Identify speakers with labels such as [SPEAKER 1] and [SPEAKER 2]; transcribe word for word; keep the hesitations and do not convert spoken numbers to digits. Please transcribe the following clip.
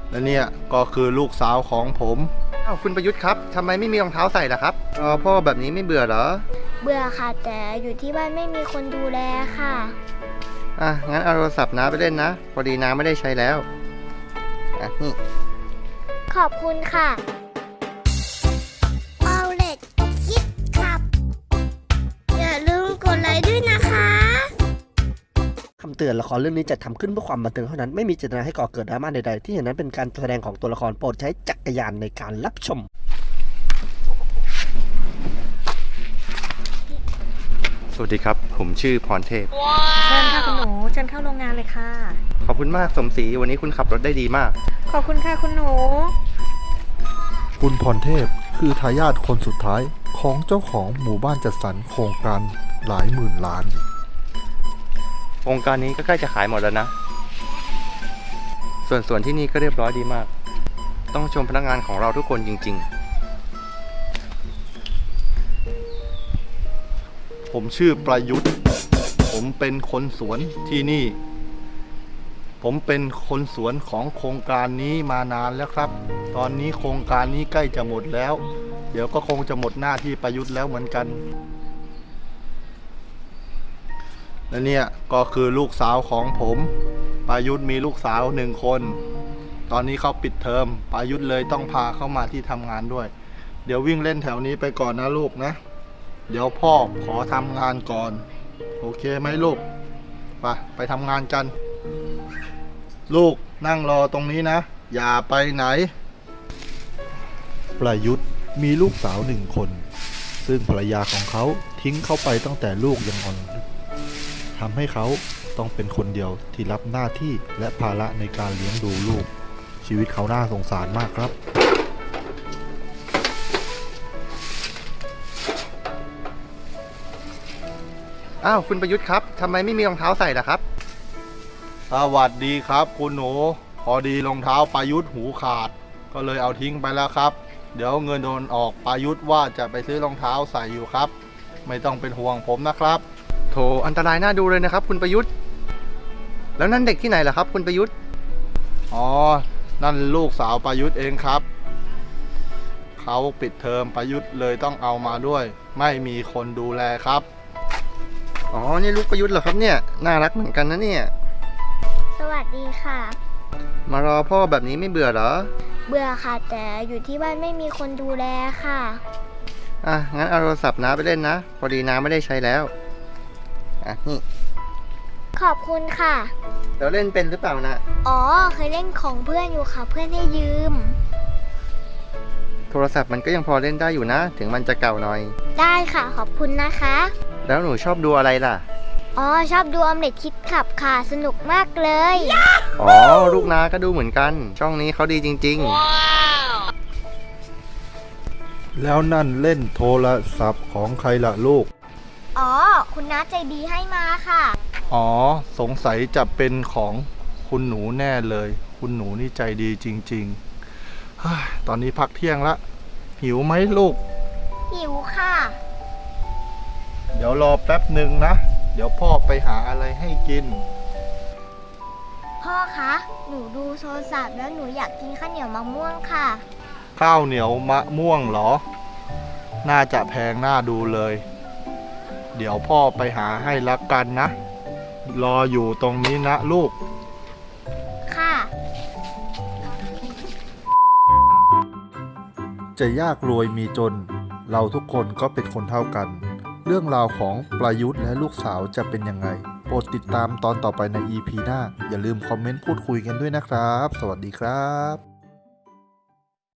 [SPEAKER 1] และเนี่ยก็คือลูกสาวของผมอ้าวคุณประยุทธ์ครับทำไมไม่มีรองเท้าใส่ล่ะครับรอพ่อแบบนี้ไม่เบื่อเหรอ
[SPEAKER 2] เบื่อค่ะแต่อยู่ที่บ้านไม่มีคนดูแลค่ะ
[SPEAKER 1] อ่ะงั้นเอาโทรศัพท์น้าไปเล่นนะพอดีน้าไม่ได้ใช้แล้วอ่ะนี่
[SPEAKER 2] ขอบคุณค่ะเอาเล็กคิดครับอย่าลืมกดไลค์ด้วยนะคะ
[SPEAKER 3] คำเตือนละครเรื่องนี้จัดทำขึ้นเพื่อความบันเทิงเท่านั้นไม่มีเจตนาให้ก่อเกิดดราม่าใดๆที่เห็นนั้นเป็นการแสดงของตัวละครโปรดใช้จักรยานในการรับชม
[SPEAKER 1] สวัสดีครับผมชื่อพรเทพ
[SPEAKER 4] เชิญค่ะคุณหนูเชิญเข้าโรงงานเลยค่ะ
[SPEAKER 1] ขอบคุณมากสมศรีวันนี้คุณขับรถได้ดีมาก
[SPEAKER 4] ขอบคุณค่ะคุณหนู
[SPEAKER 5] คุณพรเทพคือทายาทคนสุดท้ายของเจ้าของหมู่บ้านจัดสรรโครงการหลายหมื่นล้าน
[SPEAKER 1] โครงการนี้ก็ใกล้จะขายหมดแล้วนะส่วนส่วนที่นี่ก็เรียบร้อยดีมากต้องชมพนักงานของเราทุกคนจริงๆผมชื่อประยุทธ์ผมเป็นคนสวนที่นี่ผมเป็นคนสวนของโครงการนี้มานานแล้วครับตอนนี้โครงการนี้ใกล้จะหมดแล้วเดี๋ยวก็คงจะหมดหน้าที่ประยุทธ์แล้วเหมือนกันและเนี่ยก็คือลูกสาวของผมประยุทธ์มีลูกสาวหนึ่งคนตอนนี้เขาปิดเทอมประยุทธ์เลยต้องพาเข้ามาที่ทำงานด้วยเดี๋ยววิ่งเล่นแถวนี้ไปก่อนนะลูกนะเดี๋ยวพ่อขอทำงานก่อนโอเคไหมลูกไปไปทำงานกันลูกนั่งรอตรงนี้นะอย่าไปไหน
[SPEAKER 5] ประยุทธ์มีลูกสาวหนึ่งคนซึ่งภรรยาของเขาทิ้งเขาไปตั้งแต่ลูกยังอ่อนทำให้เขาต้องเป็นคนเดียวที่รับหน้าที่และภาระในการเลี้ยงดูลูกชีวิตเขาน่าสงสารมากครับ
[SPEAKER 1] อ้าวคุณประยุทธ์ครับทำไมไม่มีรองเท้าใส่ล่ะครับสวัสดีครับคุณหนูพอดีรองเท้าประยุทธ์หูขาดก็เลยเอาทิ้งไปแล้วครับเดี๋ยวเงินโดนออกประยุทธ์ว่าจะไปซื้อรองเท้าใส่อยู่ครับไม่ต้องเป็นห่วงผมนะครับโถอันตรายน่าดูเลยนะครับคุณประยุทธ์แล้วนั่นเด็กที่ไหนล่ะครับคุณประยุทธ์อ๋อนั่นลูกสาวประยุทธ์เองครับเขาปิดเทอมประยุทธ์เลยต้องเอามาด้วยไม่มีคนดูแลครับอ๋อนี่ลูกประยุทธ์เหรอครับเนี่ยน่ารักเหมือนกันนะเนี่ย
[SPEAKER 2] สวัสดีค่ะ
[SPEAKER 1] มารอพ่อแบบนี้ไม่เบื่อเหรอ
[SPEAKER 2] เบื่อค่ะแต่อยู่ที่บ้านไม่มีคนดูแลค่ะ
[SPEAKER 1] อ่ะงั้นเอาโทรศัพท์น้าไปเล่นนะพอดีน้าไม่ได้ใช้แล้วอ่ะนี่
[SPEAKER 2] ขอบคุณค่ะ
[SPEAKER 1] แล้วเล่นเป็นหรือเปล่านะ
[SPEAKER 2] อ๋อเคยเล่นของเพื่อนอยู่ค่ะเพื่อนให้ยืม
[SPEAKER 1] โทรศัพท์มันก็ยังพอเล่นได้อยู่นะถึงมันจะเก่าหน่อย
[SPEAKER 2] ได้ค่ะขอบคุณนะคะ
[SPEAKER 1] แล้วหนูชอบดูอะไรล่ะ
[SPEAKER 2] อ๋อชอบดูออมเล็ตคิดขับค่ะสนุกมากเลย
[SPEAKER 1] อ๋อลูกน้าก็ดูเหมือนกันช่องนี้เขาดีจริง
[SPEAKER 5] ๆแล้วนั่นเล่นโทรศัพท์ของใครล่ะลูก
[SPEAKER 2] อ๋อคุณน้าใจดีให้มาค่ะ
[SPEAKER 1] อ๋อสงสัยจะเป็นของคุณหนูแน่เลยคุณหนูนี่ใจดีจริงๆตอนนี้พักเที่ยงละหิวไหมลูก
[SPEAKER 2] หิวค่ะ
[SPEAKER 1] เดี๋ยวรอแป๊บหนึ่งนะเดี๋ยวพ่อไปหาอะไรให้กิน
[SPEAKER 2] พ่อคะหนูดูโทรศัพท์แล้วหนูอยากกินข้าวเหนียวมะม่วงค่ะ
[SPEAKER 1] ข้าวเหนียวมะม่วงเหรอน่าจะแพงน่าดูเลยเดี๋ยวพ่อไปหาให้ละกันนะรออยู่ตรงนี้นะลูก
[SPEAKER 2] ค่ะ
[SPEAKER 5] จะยากรวยมีจนเราทุกคนก็เป็นคนเท่ากันเรื่องราวของประยุทธ์และลูกสาวจะเป็นยังไงโปรดติดตามตอนต่อไปใน อี พี หน้าอย่าลืมคอมเมนต์พูดคุยกันด้วยนะครับสวัสดีครับ